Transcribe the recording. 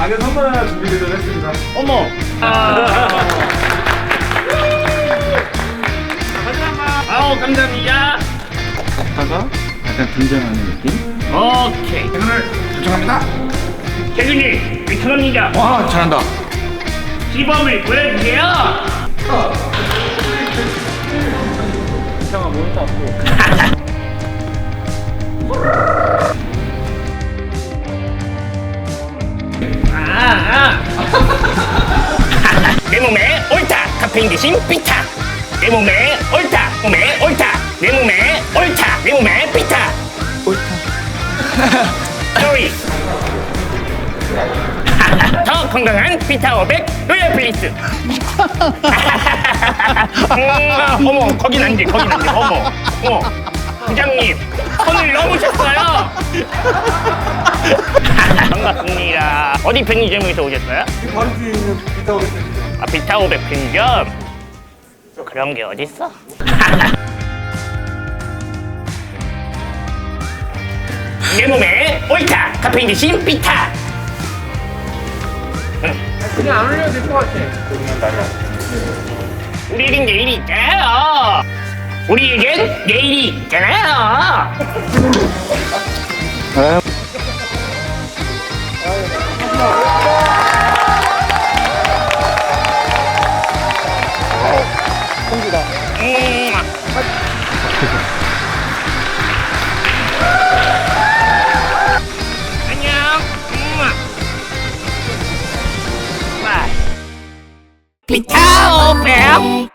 작은 선물 하나 준비되도록 했습니다. 어머. 아우 감사합니다. 아빠가 약간 등장하는 느낌? 오케이. 오늘 도착합니다. 대준이 위청합니다. 와 잘한다. 시범을 보여주세요. 이상한 몬스터 없고. 내 몸에 옳다. 카페인 대신 비타. 내 몸에 옳다. 몸에 옳다. 내 몸에 옳다. 내 몸에 비타. 옳다. sorry. 더 건강한 비타 500 로얄 플리스. 어머 거긴 안 돼. 거긴 안 돼. 어머. 부장님 손을 넘으셨어요. 반갑습니다. 어디 편의점에서 오셨어요? 바로 뒤에 있는 비타 오겠습니다. 아, 비타 500 편의점? 그런 게 어딨어? 내 몸에 옳다. 카페인 대신 비타. 그냥 안 올려도 될 것 같아. 우리에겐 내일이 있잖아요. 우리에겐 내일이 있잖아요. 안녕. 비타 500